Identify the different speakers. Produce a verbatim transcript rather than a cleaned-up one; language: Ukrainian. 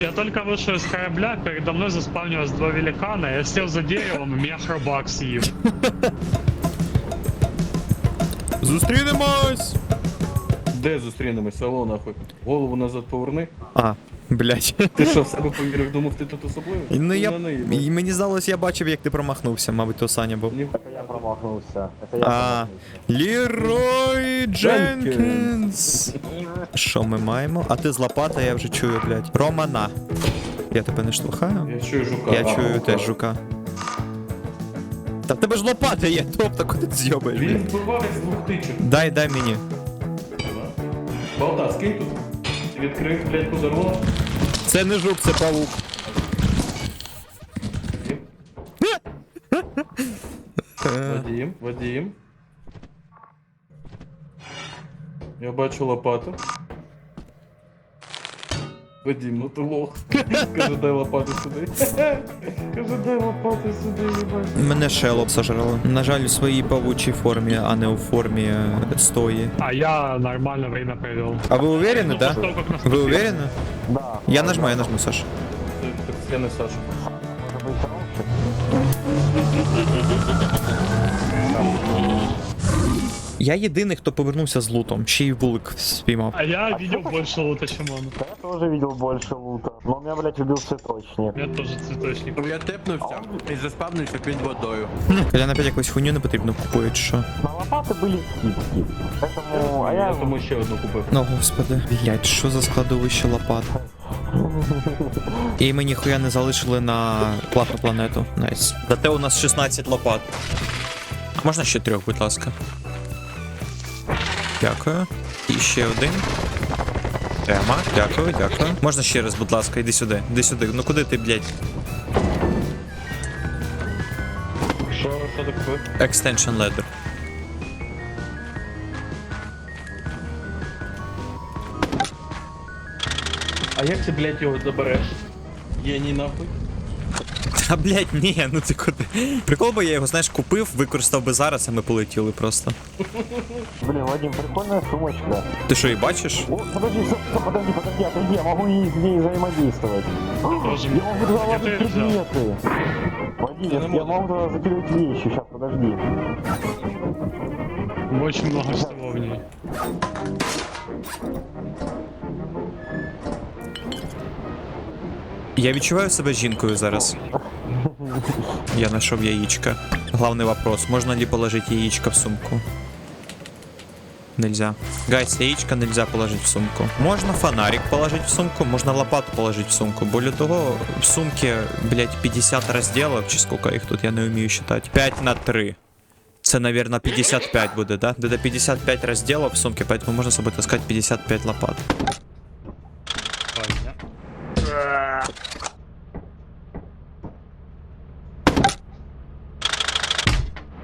Speaker 1: Я только вышел из корабля, передо мной заспавнилось два великана, я сел за деревом, и меня хробак съел.
Speaker 2: Зустрінемось!
Speaker 3: Де зустрінемось, село нахуй? Голову назад поверни.
Speaker 2: А, блядь.
Speaker 3: Ти що, в себе повірив, думав, ти тут особливий?
Speaker 2: Ну я...
Speaker 3: Не наїбав.
Speaker 2: і Мені здалось, я бачив, як ти промахнувся, мабуть, то Саня був.
Speaker 3: Ні.
Speaker 4: Я промахнулся. Это я
Speaker 2: А, Лерой Дженкінс. Що ми маємо? А ти з лопата, я вже чую, блядь. Романа. Я тебе не штовхаю?
Speaker 3: Я чую жука.
Speaker 2: Я
Speaker 3: А,
Speaker 2: чую
Speaker 3: жука.
Speaker 2: теж жука. Та в тебе ж лопата є, тобто куди ти з'йобаєш,
Speaker 3: Він
Speaker 2: блядь?
Speaker 3: вбиває з двох тичок.
Speaker 2: Дай, дай мені.
Speaker 3: Балта, скинь тут. Відкрив, блядь, подарунок.
Speaker 2: Це не жук, це павук.
Speaker 3: Вадим, Вадим. Я бачу лопату. Вадим, ну ти лох. Каже, дай лопату сюди. Каже, дай лопату сюди, їбать.
Speaker 2: Мене шелоп сожрало. На жаль, у своїй павучій формі, а не у формі е, стої.
Speaker 1: А я нормально время провел.
Speaker 2: А ви уверені, да?
Speaker 1: После того, как нас
Speaker 2: Ви
Speaker 1: спасли.
Speaker 2: уверені?
Speaker 4: Да.
Speaker 2: Я нажму, я нажму, Саша.
Speaker 3: Це, так це не Саша.
Speaker 4: Может быть, хороший?
Speaker 2: Я єдиний, хто повернувся з лутом, ще й вулик спіймав.
Speaker 1: А я видел больше лута, чем он.
Speaker 4: Да, я тоже видел больше лута. Но меня, блядь, убил цветочник.
Speaker 1: Я тоже цветочник.
Speaker 5: Я тепнувся і заспавнився під водою.
Speaker 2: Коля опять якусь хуйню не потрібно купує, чи що?
Speaker 4: На лопаты были скидки. Поэтому... А
Speaker 3: Я
Speaker 4: я...
Speaker 3: тому ще одну купив.
Speaker 2: Ну, господи. Блять, що за складовище лопат? І ми ніхуя не залишили на платну планету. Найс. Зате у нас шістнадцять лопат. А можна ще трьох, будь ласка? Дякую. І ще один. Тема. Дякую, дякую. Можна ще раз, будь ласка, іди сюди. Іди сюди. Ну куди ти, блядь?
Speaker 3: Що, що ти купив?
Speaker 2: Extension ladder.
Speaker 3: А як ти, блядь, його забереш? Єній нахуй.
Speaker 2: Та, блядь, ні, ну ти куди? Прикол би я його, знаєш, купив, використав би зараз, а ми полетіли просто.
Speaker 4: Блин, Вадим, прикольная сумочка.
Speaker 2: Ти що, і бачиш?
Speaker 4: О, подожди, стоп, стоп, подожди, подожди, отойди, я могу и с ней взаимодействовать.
Speaker 1: Тоже.
Speaker 4: Я могу туда ложить
Speaker 1: Я тоже взял.
Speaker 4: предметы. Вадим, я, я могу туда закидывать вещи, сейчас, подожди.
Speaker 1: Очень много всего в ней.
Speaker 2: Я відчуваю себе жінкою зараз. Я знайшов яєчко. Главный вопрос, можно ли положить яичко в сумку? Нельзя. Гайс, яичко нельзя положить в сумку. Можно фонарик положить в сумку, можно лопату положить в сумку. Более того, в сумке, блять, пятьдесят разделов, чи сколько их тут, я не умею считать. пять на три. Це, наверное, пятьдесят пять будет, да? Это пятьдесят пять разделов в сумке, поэтому можно с собой таскать пятьдесят пять лопат.